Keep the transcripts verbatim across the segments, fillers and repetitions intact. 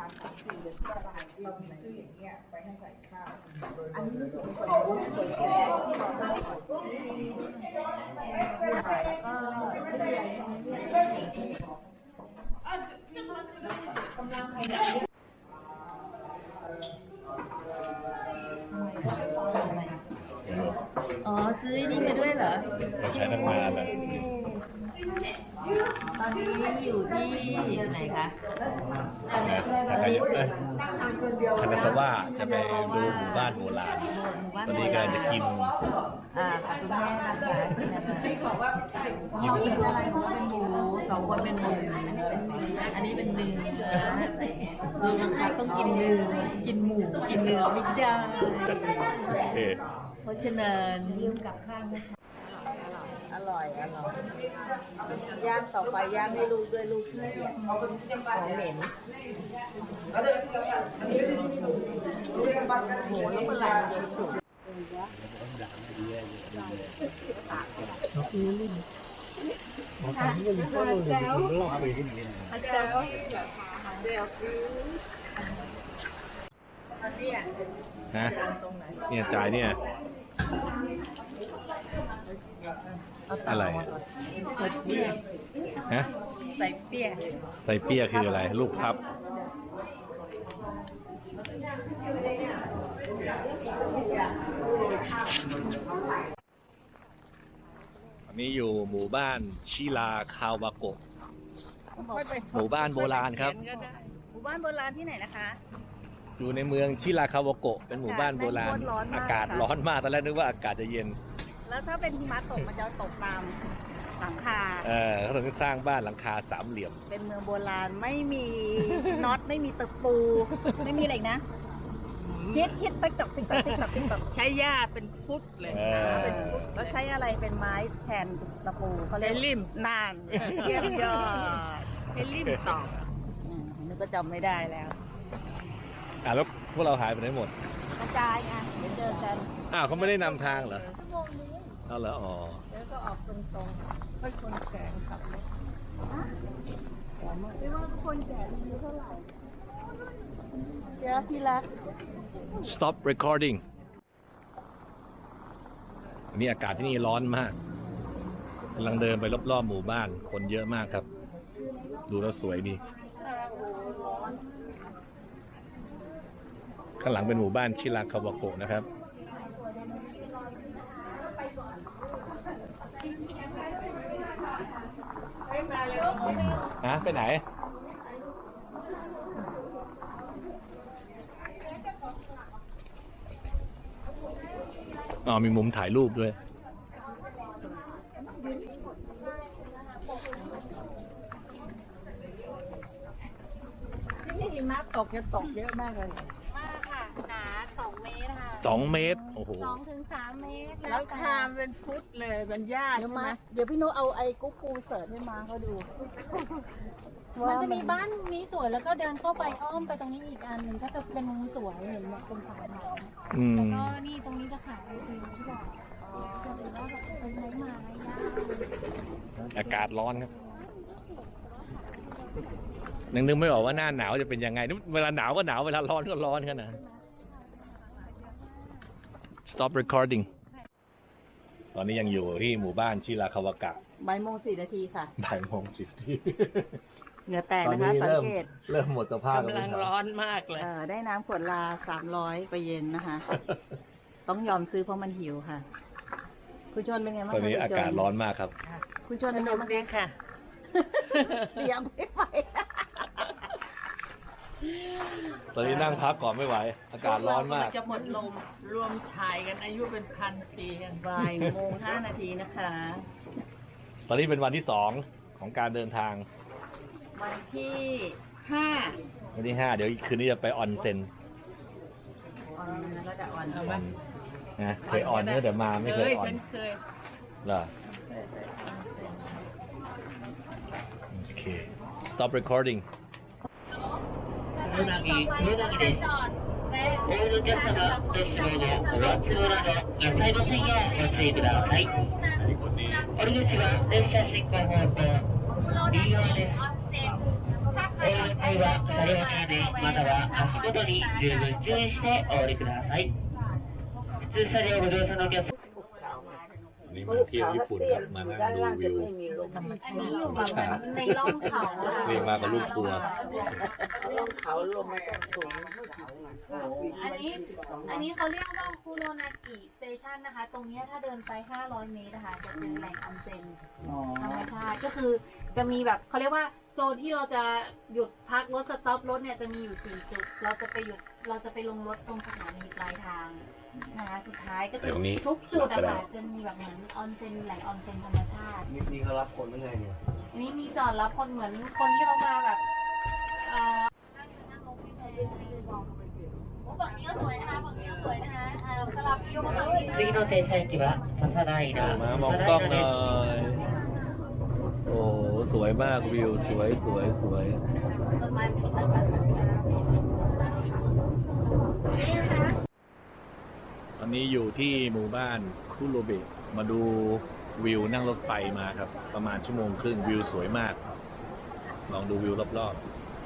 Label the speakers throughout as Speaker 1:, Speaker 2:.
Speaker 1: ามสามสี่เดือนที่เราเรามีซื้ออย่างเงี้ยไปให้ใส่ข้าวอันนี้รู้สึกเป็นคนรู้เปิดแค่ที่เราได้แล้วก็ไม่มีอะไรกำลังใครเนี่ย
Speaker 2: อ๋อซื้อนี่มาด้วยเหรอ
Speaker 3: เราใช้ตั้งนานแล้ว
Speaker 2: ตอนนี้อยู่ที่ไหนคะ
Speaker 3: นะแต่ใครเอ้ยคานาซาวะจะไปดูหมู่บ้านโบราณตอนนี้กำลังจะกิน
Speaker 2: อ่าค่ะคุณแม่นะคะกินอะไรบอกว่าใช่เราเป็นอะไรเพราะว่าเป็นหมูสองคนเป็นหมูอันนี้เป็นเนื้อดูนะคะต้องกินเนื้อกินหมูกินเนื้อไม่ได้เพราะฉะนั้นยืมกับข้างอร่อยอร่อยย่างต่อไปย่างให้ลูกด้วยลูกขี้เกียจของเหม็นโหแล้วเมื่อไหร่มันจะสุก
Speaker 3: ฮะเนี่ยจ่ายเนี่ยอะไร
Speaker 2: ใส่เปี๊ยะ
Speaker 3: ฮะ
Speaker 2: ใส่เปี๊ยะ
Speaker 3: ใส่เปี๊ยะคืออะไรลูกพับอันนี้อยู่หมู่บ้านชิราคาวาโกะหมู่บ้านโบราณครับ
Speaker 2: หมู่บ้านโบราณที่ไหนนะคะ
Speaker 3: อยู่ในเมืองชิราคาวาโกะเป็นหมู่บ้านโบราณอากาศร้อนมากตอนแรกนึกว่าอากาศจะเย็น
Speaker 2: แล้วถ้าเป็นหิมะตกมันจะตกตามหลังคา
Speaker 3: เออเขาถึงสร้างบ้านหลังคาสามเหลี่ยม
Speaker 2: เป็นเมืองโบราณไม่มีน็อตไม่มีตะปูไม่มีอะไรนะคิดคิดไปตกติ๊กตอกติ๊กตอกติ๊กตอกใช้หญ้าเป็นฟุตเลยเป็นฟุตแล้วใช้อะไรเป็นไม้แทนตะปูเขาเรียกริมนานเยี่ยมยอดใช้ริมตอกนึกก็จำไม่ได้แล้ว
Speaker 3: อ่ะแล้วพวกเราหายไปไหนหมด
Speaker 2: กระจายไงเดี๋ยวเจอกัน
Speaker 3: อ้าวเขาไม่ได้นำทางเหรอเอาเหรออ๋อ
Speaker 2: แล้วก็ออกตรงๆให้คนแก่ขับรถไม่ว่าคนแก่อายุเท่าไหร่เจ้าที่รัก
Speaker 3: stop recording อันนี้อากาศที่นี่ร้อนมากกำลังเดินไปรอบๆหมู่บ้านคนเยอะมากครับดูแล้วสวยดีข้างหลังเป็นหมู่บ้านชิราคาวาโกะนะครับฮะไปไหนอ๋อมีมุมถ่ายรูปด้วย
Speaker 2: ที่หิมะตกจะตกเยอะมากเลยมากค่ะหนาสองเมตรค่ะ
Speaker 3: สองเมตรโอ้โห
Speaker 2: สองถึงสามเมตรแล้วคามเป็นฟุตเลยเป็นหญ้าใช่ไหมเดี๋ยวพี่โน้เอาไอ้กุ๊กกูเสิร์ฟให้มาเขาดูมันจะมีบ้านนี้สวยแล้วก็เดินเข้าไปอ้อมไปตรงนี้อีกอันหนึ่งก็จะเป็นมุมสวยเห็นแบบเป็นสายไม้แล้วก็นี่ตรงนี้จะขายไอติมที่แบบจะเป็นว่าแบบเป็นไม้ไม้
Speaker 3: อากาศร้อนครับนึกนึกไม่ออกว่าหน้าหนาวจะเป็นยังไงเวลาหนาวก็หนาวเวลาร้อนก็ร้อนขนาด stop recording ตอนนี้ยังอยู่ที่หมู่บ้านชิราคาวากะ
Speaker 2: บ่ายโมงสี่นาทีค่ะ
Speaker 3: บ่ายโมงสิบนาที
Speaker 2: เหงื่อแตกนะคะสังเกต
Speaker 3: เริ่มหมดสภาพ
Speaker 2: กำลังร้อนมากเลยเออได้น้ำขวดลาสามร้อยไปเย็นนะคะต้องยอมซื้อเพราะมันหิวค่ะคุณชนเป็นไงบ้าง
Speaker 3: ตอนนี้อากาศร้อนมากครับ
Speaker 2: คุณชนเป็นไงบ้างค่ะเสียงไม่ไหว
Speaker 3: ตอนนี้นั่งพักก่อนไม่ไหวอากาศร้อนมาก
Speaker 2: จะหมดลมรวมถ่ายกันอายุเป็นพันปีกันบ่ายโมงห้านาทีนะคะ
Speaker 3: ตอนนี้เป็นวันที่สองของการเดินทาง
Speaker 2: วันที่ห้า
Speaker 3: วันที่ห้าเดี๋ยวคืนนี้จะไปออนเซ็น
Speaker 2: ออนแล้วก็จะออนเอา
Speaker 3: บ้างนะเคยออนเมื่อเดี๋ยวมาไม่เคยออน
Speaker 2: เคย
Speaker 3: เหรอโอเค stop recording
Speaker 4: うなぎ、うなぎです。オールキャストがご使用のおわつの裏の野菜の線をご注意ください。折り口は電車進行方向、右側です。オールタイは車両停電または足元に十分注意してお降りください。普通車両ご乗車のお客様
Speaker 3: นี่มาเที่ยวญี่ปุ่นครับมานั่งดูวิว
Speaker 2: อันนี้อยู่แบบในร่องเขาอะ
Speaker 3: นี่มากับลูกทัวร์
Speaker 2: อันนี้อันนี้เขาเรียกว่าคุโรนากิสเตชันนะคะ ตรงเนี้ยถ้าเดินไปห้าร้อยเมตรนะคะจะเจอแหล่งออนเซ็นธรรมชาติก็คือจะมีแบบเขาเรียกว่าโซนที่เราจะหยุดพักรถสต็อปรถเนี่ยจะมีอยู่สี่จุดเราจะไปหยุดเราจะไปลงรถตรงสถานีปลายทางนะคะสุดท้ายก็คือทุกจุดอะค่ะจะมีแบบเหมือนออนเซ็นแหล่งออนเซ็นธรรมชาติ
Speaker 5: นี่เขารับคนไม่ไงเนี่ย
Speaker 2: อันนี้มีจอดรับคนเหมือนคนที่เขามาแบบเอ่อนั่งนั่งลงที่แพโอ้ฝั่งนี้ก็สวยนะคะฝั่งนี้ก็สวยนะคะอ่าสลับวิวมาฝั่งนี้
Speaker 4: 次の停車駅は笹平
Speaker 3: มามองกล้องหน่อยโอ้สวยมากวิวสวยสวยสวย
Speaker 2: ต้นไม้นี่นะคะ
Speaker 3: ตอนนี้อยู่ที่หมู่บ้านคุโรเบะมาดูวิวนั่งรถไฟมาครับ ประมาณชั่วโมงครึ่งวิวสวยมาก ลองดูวิวรอบ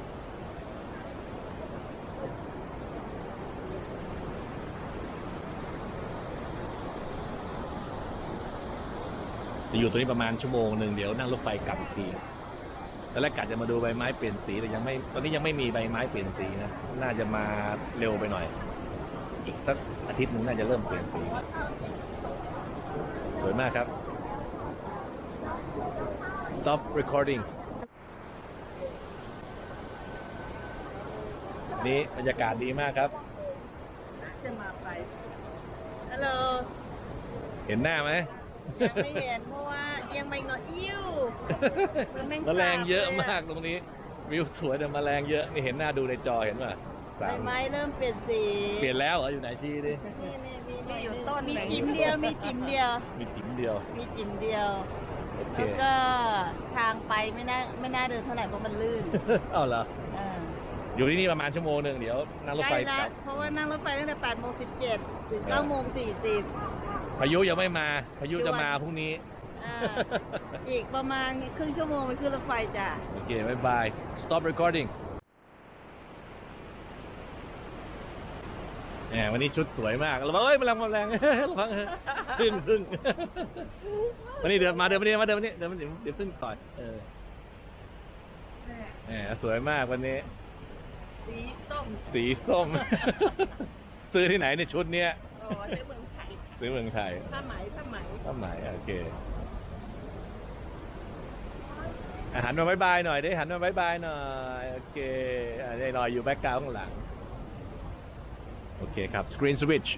Speaker 3: ๆจะอยู่ตรงนี้ประมาณชั่วโมงหนึ่งเดี๋ยวนั่งรถไฟกลับอีกทีตอนแรกกะจะมาดูใบไม้เปลี่ยนสีแต่ยังไม่ตอนนี้ยังไม่มีใบไม้เปลี่ยนสีนะน่าจะมาเร็วไปหน่อย อีกสักอาทิตย์หนึงน่าจะเริ่มเปลี่ยนสีสวยมากครับ stop recording นี่บรรยากาศดีมากครับ
Speaker 1: จะมาไป
Speaker 2: ฮัลโหล
Speaker 3: เห็นหน้าไหม
Speaker 2: ยังไม่เห็นเพราะว่ายังไม่งออิ่ว
Speaker 3: แมลงเยอะมากตรงนี้ วิวสวยแต่แมลงเยอะนี่เห็นหน้าดูในจอเห็นป่ะสาม
Speaker 2: ไม้เริ่มเปลี่ยนสี
Speaker 3: เปลี่ยนแล้วเหรออยู่ไหนชี้ดิ
Speaker 1: มีอยู่ต้น
Speaker 2: มี
Speaker 1: หนึ่ง
Speaker 2: จิ๋มเดียวมีจิ๋มเดียว
Speaker 3: มีจิ๋มเดียว
Speaker 2: มีจิ๋มเดียว
Speaker 3: โอเค
Speaker 2: แล้วก็ทางไปไม่น่าไม่น่าเดินเท่าไหร่เพราะมันลื่น
Speaker 3: เอาเหรอ
Speaker 2: เออ
Speaker 3: อยู่ที่นี่ประมาณชั่วโมงหนึ่งเดี๋ยวนั่งรถ
Speaker 2: ใก
Speaker 3: ไฟ
Speaker 2: ล้
Speaker 3: ก
Speaker 2: ละ
Speaker 3: ลับ
Speaker 2: เพราะว่านั่งรถไฟตั้งแต่แปดโมงสิบเจ็ดถึงเก้าโมงสี่สิบ
Speaker 3: พายุยังไม่มาพายุจะมาพรุ่งนี้
Speaker 2: อ่าอีกประมาณครึ่งชั่วโมงไปขึ้นรถไฟจ้ะ
Speaker 3: โอเคบายบาย stop recording แหมวันนี้ชุดสวยมากระวังเอ้ยแมลงแมลง ระวังพึ่งพึ่งวันนี้เดินมาเดินมาเดินมาเดินมาเดินเดินมาเดี๋ยวเดี๋ยวพึ่งต่อยเออแหมสวยมากวันนี้
Speaker 1: สีส้ม
Speaker 3: สีส้ม ซื้อที่ไหนในยชุดเนี้ย
Speaker 1: โอ้ในเมืองไทย
Speaker 3: ซื้อเมืองไทย
Speaker 1: ผ้าไหมผ้าไหม
Speaker 3: ผ้าไหมโอเคอ่ะหันมาบายบายหน่อยดิหันมาบายบายหน่อยโอเคอ่ะได้หน่อยอยู่แบ็คกราวด์ข้างหลังโอเคครับ screen switch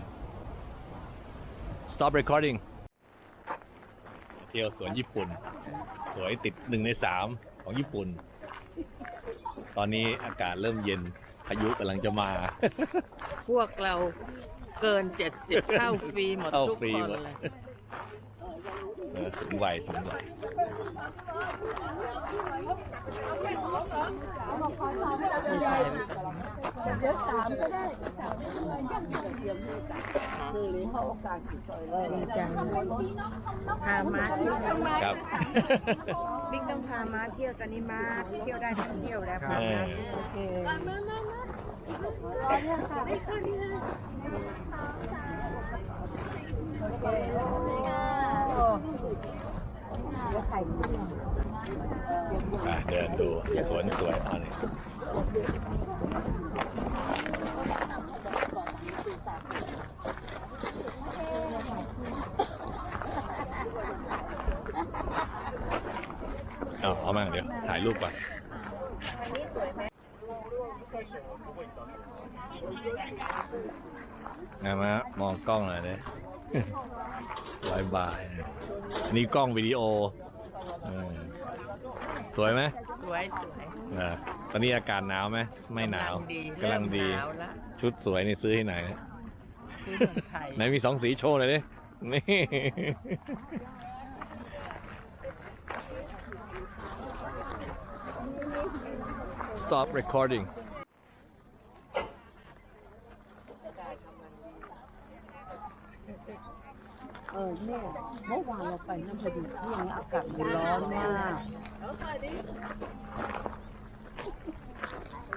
Speaker 3: stop recording เที่ยวสวนญี่ปุ่น สวยติดหนึ่งในสามของญี่ปุ่น ตอนนี้อากาศเริ่มเย็นพายุกำลังจะมา
Speaker 1: พวกเราเกินเจ็ดสิบเข้าฟรีหมด
Speaker 3: เข้า
Speaker 1: ทุก
Speaker 3: ฟรี
Speaker 1: คน
Speaker 3: หมด
Speaker 1: เลย
Speaker 3: เออสูงวัยสูงวัย
Speaker 2: เดี๋ยวสามก็ได้
Speaker 1: คือเลยเขาโอกาสเลยดีจังพามาเที่ยว
Speaker 3: ครับ
Speaker 1: บิ๊กต้องพามาเที่ยวตอนนี้มาเที่ยวได้ทั้งเที่ยวแล้วพามาโอเค
Speaker 2: มามามามา รอเนี่ยค่ะไม่ค่ะนี่นะ
Speaker 3: อ่ะเดินดูสวนสวยอันนี้เอาเอามาเดี๋ยวถ่ายรูปก่อนงามะมองกล้องหน่อยเลย บายบายนี่กล้องวิดีโอเออสวยไหม
Speaker 1: สวยสวย
Speaker 3: อ่าตอนนี้อากาศหนาวไหมไม่หนาวกำลังดี
Speaker 1: หนาวละ
Speaker 3: ชุดสวยนี่ซื้อที่ไหนนะ
Speaker 1: ซื้อเมืองไทย
Speaker 3: ไหนมีสองสีโชว์หน่อยดินี่ stop recording
Speaker 1: เออแม่เมื่อวานเราไปน้ำพอดีที่ยังอากาศมันร้อนมาก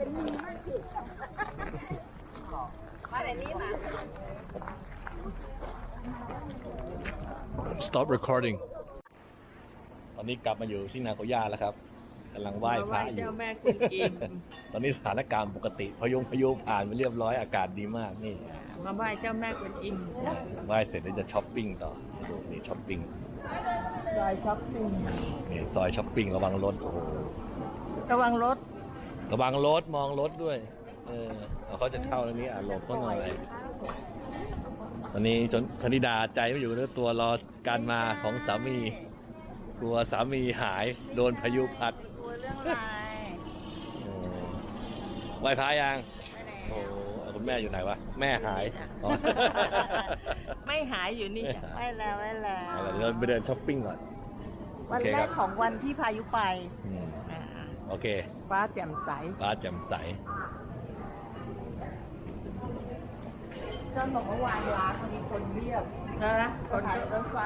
Speaker 3: Stop recording ตอนนี้กลับมาอยู่ที่นาโกย่าแล้วครับกำลังไหว้พระอยู่ ตอนนี้สถานการณ์ปกติพยุงพายุผ่านไปเรียบร้อยอากาศดีมากนี่
Speaker 2: มาไหว้เจ้าแม่กวนอิม
Speaker 3: ไหว้เสร็จแล้วจะช้อปปิ้งต่อดูนี่ช้อปปิ้ง
Speaker 2: ซอยช้อปปิ้ง
Speaker 3: นี่ซอยช้อปปิ้งระวังรถโอ้โห
Speaker 2: ระวังรถ
Speaker 3: ระวังรถมองรถด้วยเออเขาจะเข้าตรงนี้อ่ะหลบเขาหน่อยตอนนี้จนธนิดาใจไม่อยู่เนื้อตัวรอการมาของสามีกลัวสามีหายโดนพายุพัด
Speaker 2: กลัวเรื่องอะไร
Speaker 3: เออไหว้พระยังโอ้คุณแม่อยู่ไหนวะแม่หายอ๋อ
Speaker 2: ไม่หายอยู่นี่จ้ะไม่แล้วไม่แล้ว
Speaker 3: เอาล่ะเดินไปเดินช้อปปิ้งก่อน
Speaker 2: วันแรกของวันที่พายุไป
Speaker 3: อืมโอเค
Speaker 2: ฟ้าแจ่มใส
Speaker 3: ฟ้าแจ่มใส
Speaker 1: จนบอกว่าวางร้านวันนี้คนเรียบ
Speaker 2: นะคนขับรถไฟ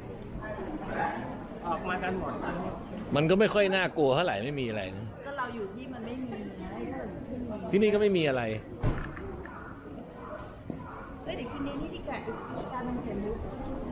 Speaker 2: ออกมากันหมด
Speaker 3: มันก็ไม่ค่อยน่ากลัวเท่าไหร่ไม่มีอะไรนะ
Speaker 2: ก็เราอยู่ที่มันไม่มีไง
Speaker 3: ที่นี่ก็ไม่มีอะไร
Speaker 1: เฮ้ยเดี๋ยวคืนนี้นี่ที่แกะการมันเห็นรู้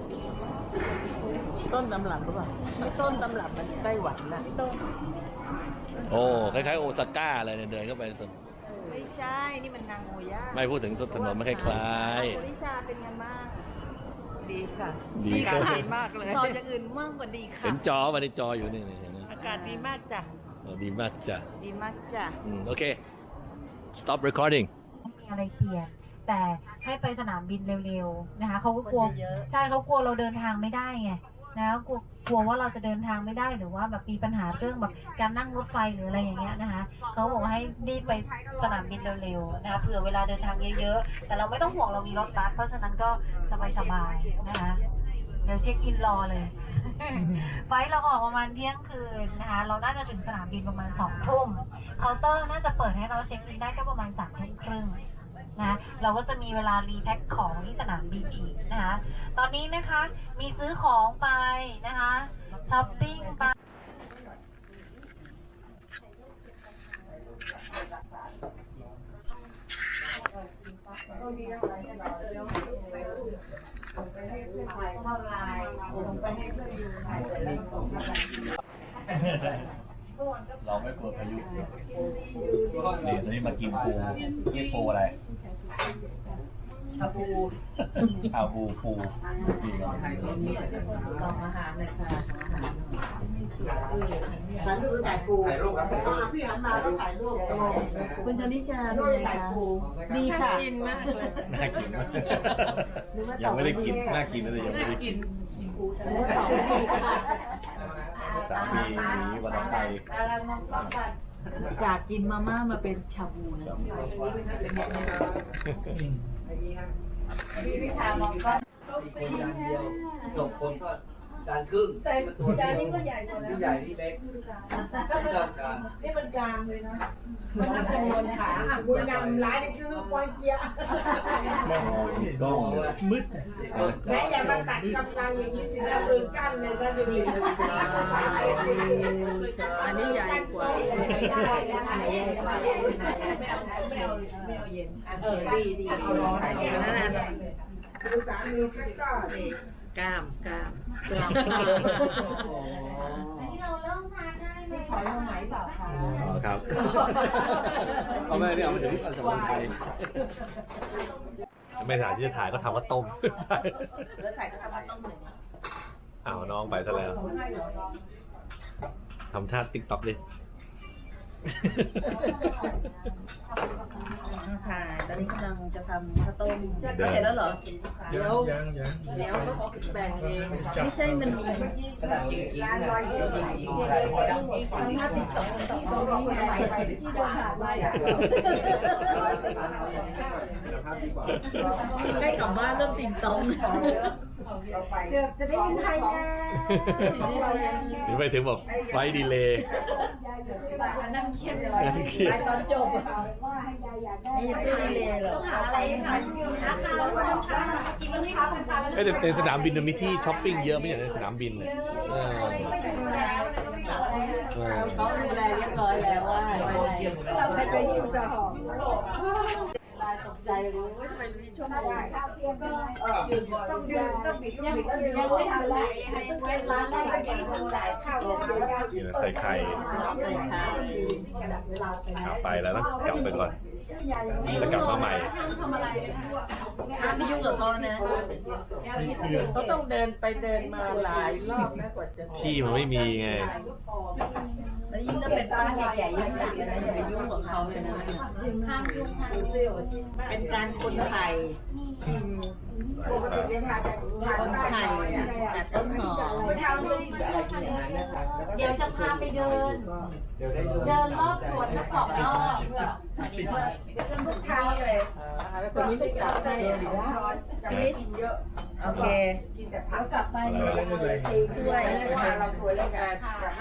Speaker 2: ต้นตำรับหรือเปล่าไม่ต้นตำรับมันไต้หวันนะต้น
Speaker 3: โอ้คล้ายๆโอซาก้าเลยเนี่ยเดินเข้าไปสุด
Speaker 2: ไม่ใช่ นี่มันนางโอย่า
Speaker 3: ไม่พูดถึงถนนไม่คล้าย
Speaker 2: คุณนิชาเป็นไงบ้างดีค่ะ
Speaker 3: ดี
Speaker 2: อา
Speaker 3: ค่ะ
Speaker 2: กาศดีมากเลยตอนอย่างอื่นมากกว่าดี
Speaker 3: ๆ
Speaker 2: ค่ะ
Speaker 3: เห็นจอวันนี้จออยู่นี่เห็นไหม
Speaker 2: อากาศดีมากจ้ะ
Speaker 3: เออดีมากจ้ะ
Speaker 2: ดีมากจ้ะ
Speaker 3: อืมโอเค stop recording
Speaker 5: มีอะไรเคลียร์แต่ให้ไปสนามบินเร็วๆนะคะเขาก็กลัวใช่เขากลัวเราเดินทางไม่ได้ไงนะกลัวกลัวว่าเราจะเดินทางไม่ได้หรือว่าแบบมีปัญหาเรื่องแบบการนั่งรถไฟหรืออะไรอย่างเงี้ยนะคะเขาบอกว่าให้รีบไปสนามบินเร็วๆนะคะเผื่อเวลาเดินทางเยอะๆแต่เราไม่ต้องห่วงเรามีรถบัสเพราะฉะนั้นก็สบายๆนะคะเดี๋ยวเช็คอินรอเลย ไฟล์เราออกประมาณเที่ยงคืนนะคะเราน่าจะถึงสนามบินประมาณสองทุ่มเคาน์เตอร์น่าจะเปิดให้เราเช็คอินได้ก็ประมาณสามทุ่มครึ่งนะเราก็จะมีเวลารีแพ็คของที่สนามบินอีกนะคะตอนนี้นะคะมีซื้อของไปนะคะช้อปปิ้งไป
Speaker 3: เราไม่กลัวพายุนี่ตอนนี้มากินปูนี่ปูอะไร
Speaker 1: ชาบู
Speaker 3: ชาบูปูนี่ครับ
Speaker 1: ลองอาหารเลยค่ะถ่ายรูปถ่ายปูถ่ายรูปครับพี่หันมาแล้วถ่ายรูป
Speaker 2: คุณชนิชา
Speaker 1: รูปถ่ายปูดีค่ะ
Speaker 2: กินมากเลย
Speaker 3: น่ากินมากยังไม่ได้กินน่ากินเลยยังไม่ได้กินสามีหนีวันไทย
Speaker 2: จากกินมาม่ามาเป็นชาบูเลย
Speaker 1: พี่พิธามองก็
Speaker 6: สี่คนจานเดียวจบคนก็จานครึ่ง
Speaker 1: แต่จานนี้ก็ใหญ่กว่า
Speaker 6: ที่
Speaker 1: แล้ว
Speaker 6: ใหญ่ที่เล็กเท่ากัน
Speaker 1: นี่มันกลางเลยนะมันทำจำนวนขาอ่ะบุญนำร้ายนี่คือปอยเกียร์
Speaker 3: กล้องมืด
Speaker 1: แม่อย่ามาตัดกำลังอย่างนี้สินะปืนกั้นเลยก็จะดี
Speaker 2: อันนี้ใหญ่กว่า
Speaker 1: เออดีดีเอาร้อนดูสามีซิก็
Speaker 2: กล้ามกล้าม
Speaker 1: กลางกลาง
Speaker 5: เราเริ่มทานได้เลย
Speaker 1: ถอยมาไหมเปล่าคะ
Speaker 3: อ๋อครับเอาไม่เนี่ยเอาไปถึงสมุนไพรไม่ถ่ายที่จะถ่ายก็ทำว่าต้ม
Speaker 1: แล้วถ่ายก็ทำมาต้องหนึ่ง
Speaker 3: อ้าวน้องไปซะแล้วทำท่าติ๊กต็อกดิ
Speaker 2: ถ่ายตอนนี้กำลังจะทำข้าวต้มเสร็จแล้วเหรอ เดี๋ยวเดี๋ยวก็แบ่งเอง ไม่ใช่มันมี
Speaker 6: ขนาดจริงจริงนะจริงจริงอะไร
Speaker 1: ห้าสิบสองที่ตรงนี้ไงที่โดนถ่ายไว้อะ
Speaker 2: ใกล้กลับบ้านเริ่มติ่งตอง
Speaker 5: เกือบจะได้ยินไทยแล้ว
Speaker 3: ถึงไปถึงบอกไฟดีเลย์
Speaker 5: นั่งเครียดเลย
Speaker 3: นั่งเครียด
Speaker 5: ตอนจบว่าให้ยายอยากได้
Speaker 2: ไม่ได้เลยหรอ
Speaker 5: ต้องหาอะไรทานนะคะแล้วก็กินมันไม่ค้าเป็นค้า
Speaker 3: เอ้ยแต่ในสนามบินมันมีที่ช้อปปิ้งเยอะไม่ใช่ในสนามบินเลยเออ
Speaker 2: เขาดูแลเรียบร้อยแล้วว่าเราไปไปอยู่จะหอมตกใจรู้ว่าทำไมมีช่วงว่าข้าวเที่ยงก็ต้องดื่มต้องบิดยังยังไม่ทันเลยให้เก็บร้านแรกไปกินคนหลายข้าวเที่ยง
Speaker 3: ใส่ไข่
Speaker 2: ใส่ข้าว
Speaker 3: กลับไปแล้วนะกลับไปก่อนแล้วกลับมาใหม่
Speaker 2: ห้ามไม่ยุ่งกับเขานะ
Speaker 1: เขาต้องเดินไปเดินมาหลายรอบนะกว่าจะ
Speaker 3: ที่มันไม่มีไง
Speaker 2: แล้วยิ่งถ้าเป็นป้าใหญ่ๆยิ่งหนักเลยนะอย่าไปยุ่งกับเขาเลยนะห้ามยุ่งห้ามเป็นการคนไทย
Speaker 1: ปกติเนี่ยค่ะจะ
Speaker 2: คนไทยแต่ต้นหอม
Speaker 1: เช้านี้อะไรกินอย่างนั้นนะคะ
Speaker 5: เดี๋ยวจะพาไปเดิน เดินรอบสวนสักสองรอบ
Speaker 1: ทุกเช้าเลยแล้วคนนี้ไม่กลับได้ร้อนจะไม่กินเยอะ
Speaker 2: โอเค
Speaker 1: กินแต่ผัก
Speaker 2: กลับไปตีด้วย
Speaker 1: เราตัวแล้วกัน